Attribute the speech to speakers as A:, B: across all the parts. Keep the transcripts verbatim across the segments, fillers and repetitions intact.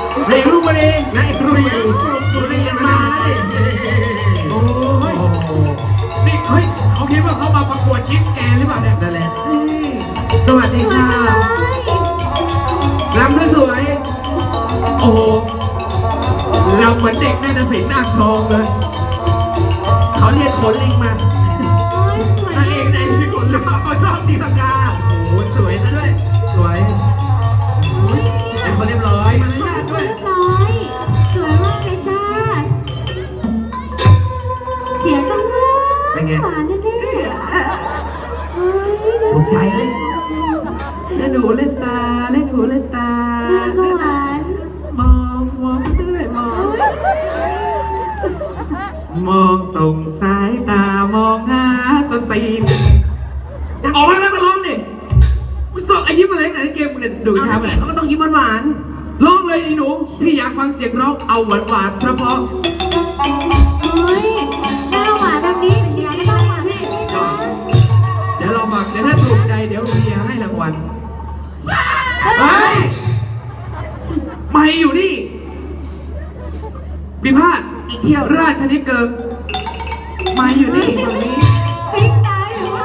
A: เด็กลูกมาดี
B: นายครูครูเรียนมาเลย
A: โอ้ยนี่เฮ้ยเขาคิดว่าเขามาประกวดคิสแกนหรือเปล่าเนี่ย
B: นั่นแหละสวัสดีค่ะรำสวย
A: โอ้โหเราเหมือนเด็กน่าจะสิงหน้าทองเลย
B: ๆเขาเรียนขนลิงมานางเอกในที่ขนลิงเขาชอบตีลังกา
A: โอ้โหสวยซะด้วย
B: สวยเป็นคนเรียบร้อย
A: มารยาทด้วย
C: เรียบร้อยสวยมากเลยจ้าเสียงต้องหวานหวานแน่ๆเฮ้ย
B: ถูกใจไหมเล่นหูเล่นตาเล่นหูเล่นตา
C: เนื้อก็หวาน
B: มองมองเรื่อยมองมองส่งสายตามองหาจนตีนออกมาแล้วมาร้องดิมึงส่งไอ้ยิ้มอะไรไหนเกมมึงเนี่ยดูท้าแบบเขาก็ต้องยิ้มหวานๆร้องเลยไอ้หนูพี่อยากฟังเสียงร้องเอาหวานหวานเพราะเพราะ
C: เฮ้ยหน้าหวานแบบนี้เสียงก็ต้องหวานพี่นะ
B: เดี๋ยวเราบอกเดี๋ยวถ้าถูกใจเดี๋ยวเมียให้รางวัลเฮ้ยไม่อยู่นี่พิพาทอีกเที่ยวราชนิเกิงมาอยู่นี่ตรงนี้
C: ปิ๊งตายหรือว่า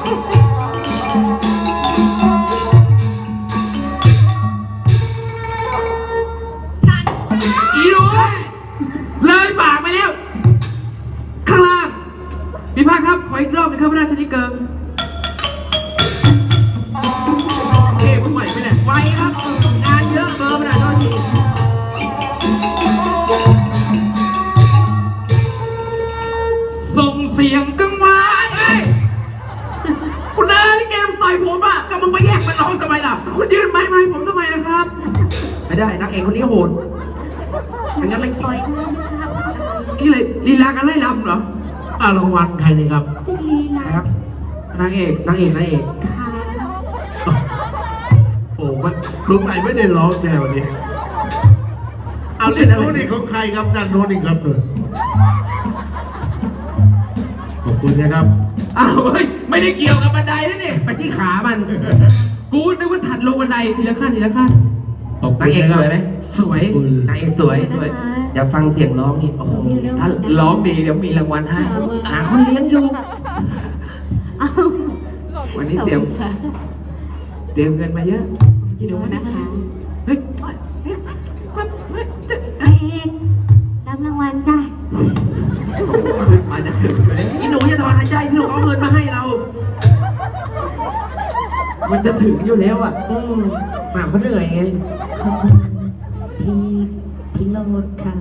C: ฉัน
B: อีหนูเลยปากไปแล้ว ข้างล่างพิพาทครับ ขออีกรอบหนึงครับราชนิเกิงเอ๊ะมึงไหวไหมเนี่ยไหวครับงานเยอะเบอร์มันอ่ะโทษทีส่งเสียงกังวานเอ้ยคุณเอ๋ยเกมต่อยผมอ่ะก็มึงไปแย่งมันร้องทำไมล่ะคุณยืนไม้ไม้ผมทำไมล่ะครับ ไม่ได้นักเอกคนนี้โหดอย่างนั้นไม่
C: ปล่อยเธอนะครับ
B: กี่เลยลีลากันไล่ลำเหรออ่ารางวัลใครนี่ครับ
C: เป็นลีลา
B: ครับนางเอกนางเอกนางเอก
C: ค่ะ
D: โอ้มันสงสัยไม่ได้ร้องแน่วันนี้ เอาเล่นโน้นอีกของใครครับด้านโน้นอีกครับเลยขอบคุณนะครับ
A: อ้าวเฮ้ยไม่ได้เกี่ยวกับบันไดนะเนี่ย
B: ไปที่ขามัน
A: กูนึกว่าถัดลงบันไดทีละขั้นทีละขั้น
D: ขอบคุ
B: นาง
D: ณ
B: เอก
D: นะค
B: ส
D: รับ
B: วยไหมสวยนางเอกสวยสวยเดี๋ยวฟังเสียงร้องนี่โอ้โห
A: ถ้าร้องดีเดี๋ยวมีรางวัลให้
B: หาคนเลี้ยงอยู่
C: เอา
B: วันนี้เตรียม
C: ขอบคุณค่ะ
B: เตรียมเงินมาเยอะที่ดู
C: ดู
B: นะ
C: นะคะ
B: เฮ้ยเฮ้ยเฮ้ยเฮ้ย
C: เอกรับรางวัลจ้ะ
B: ขึ้นมาจะถึงอยู่เลยอีหนูจะถอนหายใจที่เขาเอาเงินมาให้เรา มันจะถึงอยู่แล้วอ่ะอืมหมาเขาเหนื่อยไง
C: ขอบคุณพี่พี่โรดค่ะ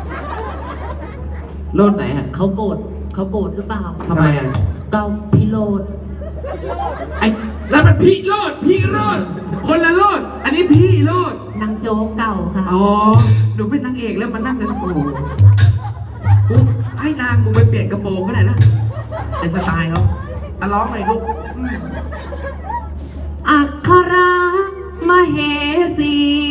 B: โลดไหนอ่ะ
C: เขาโกรธเขาโกรธหรือเปล่า
B: ทำไมอ่ะ
C: เกาพี่โรด
B: ไอ้แล้วมันพี่โลดพี่โลดคนละโลดอันนี้พี่โลด
C: นางโจ๊กเก่าค่ะ
B: อ๋อหนูเป็นนางเอกแล้วมานั่งกันโอ้โหกูให้นางมึงไปเปลี่ยนกระโปรงก็ได้นะในสไตล์เขาอ่ะร้องหน่อยลูกอืม
C: อักขระมเหสี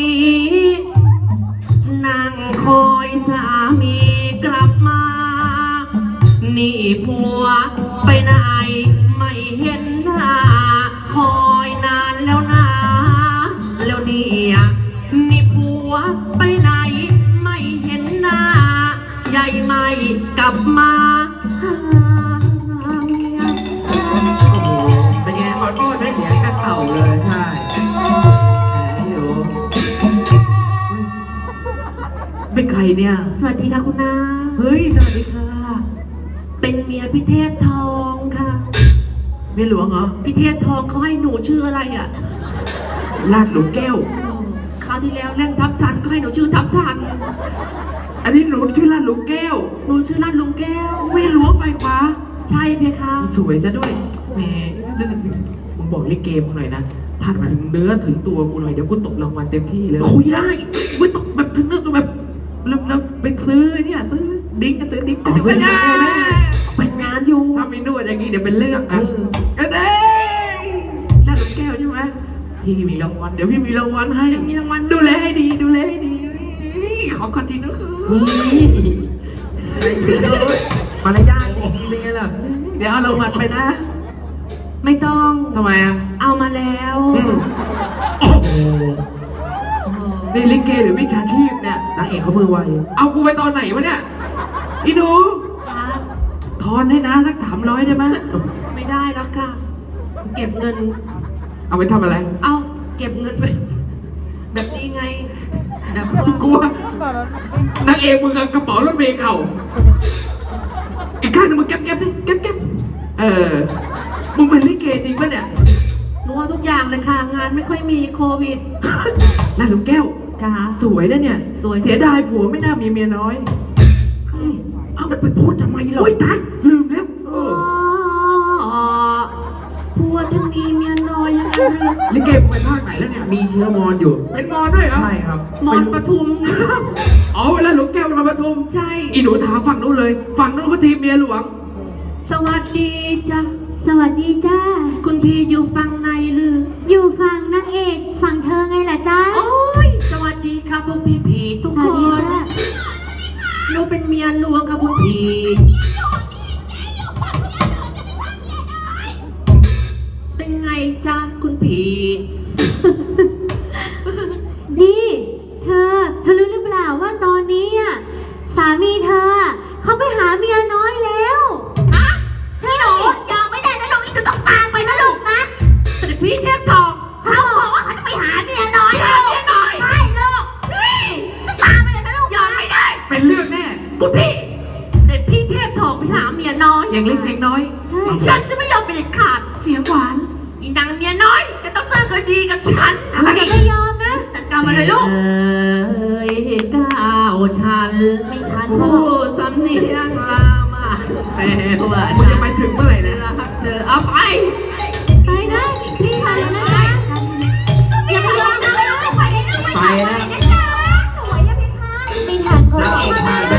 C: นั่งคอยสามีกลับมา นี่ผัวไปไหนไม่เห็นหน้า คอยนานแล้วนะ แล้วเนี่ยนี่ผัวไปไหนไม่เห็นหน้า ใหญ่ไม่กลับมาหาเมีย
B: โอ้โหเป็นไงขอโทษให้เสียงกระเข่าเลยใช่แหมอยู่เป็นใครเนี่ย
C: สวัสดีค่ะคุณนา
B: เฮ้ยสวัสดีค่ะ
C: เป็นเมียพิเทพทองค่ะ
B: เมียหลวงเหรอ
C: พิเทพทองเขาให้หนูชื่ออะไรอ่ะ
B: ลาดหลุมแก้ว
C: คราวที่แล้วเล่นทับทันก็ให้หนูชื่อทับทัน
B: อันนี้หนูชื่อลาดหลุมแก้ว
C: หนูชื่อลาดลุงแก้ว
B: เมียหลวงไฟขวา
C: ใช่เพคะ
B: สวยซะด้วยแหมมึงบอกลิเกมึงหน่อยนะถ้าถึงเนื้อถึงตัวกูหน่อยเดี๋ยวกูตกรางวัลเต็มที่เลยคุยได้ไม่ต้องแบบถึงเนื้อแบบแล้วแล้วไปซื้อเนี่ยซื้อดิ้งกันซื้อดิ้งกันซื้อกันเป็นงานอยู่ถ้ามีนวดอย่างนี้เดี๋ยวเป็นเรื่องอ่ะก็ได้ลาดหลุมแก้วใช่ไหมพี่มีรางวัลเดี๋ยวพี่มีรางวัลให้มีรางวัลดูแลให้ดีดูแลให้ดีขอคอนติเนอร์คือไม่ถึงเลยมารยาทดีๆเป็นไงล่ะเดี๋ยวเอารางวัลไปนะ
C: ไม่ต้อง
B: ทำไมอ่ะ
C: เอามาแล้ว
B: โอ้โหนี่ลิเกหรือวิชาชีพนางเอกเขามือไวเอากูไปตอนไหนวะเนี่ยอีหนู
C: ครับ
B: ทอนให้นะสักสามร้อยได้ไหม
C: ไม่ได้แล้วค่ะ เก็บเงิน
B: เอาไปทำอะไร
C: เอาเก็บเงินไป แบบนี้ไงแบบว่า
B: กูว่านางเอกมึงกับกระเป๋ารถเมล์เก่าอีกข้างหนึงมึงเก็บเก็บดิเก็บเก็บเออมึงเป็นลิเกจริงปะเนี่ย
C: หนูเอาทุกอย่างเลยค่ะ งานไม่ค่อยมีโควิด
B: น่าลูกแก้ว
C: ค่ะ
B: สวยนะเนี่ย
C: สวย
B: เสียดายผัวไม่น่ามีเมียน้อย
C: ใคร
B: เอามันไปพูดทำไมล่ะโอ๊ยตายลืมแล้วเอ
C: อ๋
B: อ
C: อผัวฉันมีเมียน้อยยังไงเลย
B: ลิเกมึงไปภาคไหนแล้วเนี่ยมีเชื้อมอญอยู่เป็นมอญด้วยเหรอใช่ครับ
C: มอนปทุมไง
B: อ๋อเวลาหลวงแก้วเราปทุม
C: ใช่
B: อีหนูถามฝั่งนู้นเลยฝั่งนู้นเขาทีมเมียหลวง
C: สวัสดีจ้ะ
E: สวัสดีจ้า
C: คุณพี่อยู่ฝั่งในหรือ
E: อยู่ฝั่งนางเอกฝั่งเธอไงล่ะจ้า
C: โอ้ย สวัสดีครับพวกพี่ผีทุก
E: ส
C: ค
E: วัสดี
C: น
E: จ้า
C: หนูเป็นเมียหลวงครับพวกพี่เป็นไงจ้าคุณผี
E: นี่เธอ เธอรู้หรือเปล่าว่าตอนนี้อ่ะสามีเธออะเขาไปหาเมียน้อยแล้วฮะพี่หนูยอมไม่ได้นะลูกอีกหนูต้องตามไปนะลูกนะ
C: แต่พี่เทพทอง
E: เขาบอกว่าเขาจะไปหาเมียน้อย
C: ไปหาเมียน้อย
E: ใช่ลูกนี่ต้องตามไปเลยนะลูก
C: ยอมไม่ได้
B: เป็นเรื่องแน่
C: คุณพี่แต่พี่เทพทองไปหาเมียน้อย
B: เสียงเล็กเสียงน้อย
E: ใช่
C: ฉันจะไม่ยอมเป็นเด็ดขาด
B: เสียงหวาน
C: อีนางเมียน้อย จะต้องเจอคดีกับฉัน
E: หนูจะไม่ยอมนะ
C: จัดการมาเลยลูกเอ้ยก้าวฉัน
E: ไม่ทัน
C: ผู้สำเนียงลามาแปลว่า
B: มึงจะไปถึงเมื่อไหร่นะ
C: รักเธอเอาไป
E: ไปนะรีบไปนะจ๊ะอย่าไปยอมนะไปเลยนะ
C: ไปนะ
E: สวยอะพี่คะไม่ทันเขา
C: นาง
E: บอก
C: เอก
E: ว่า
C: มา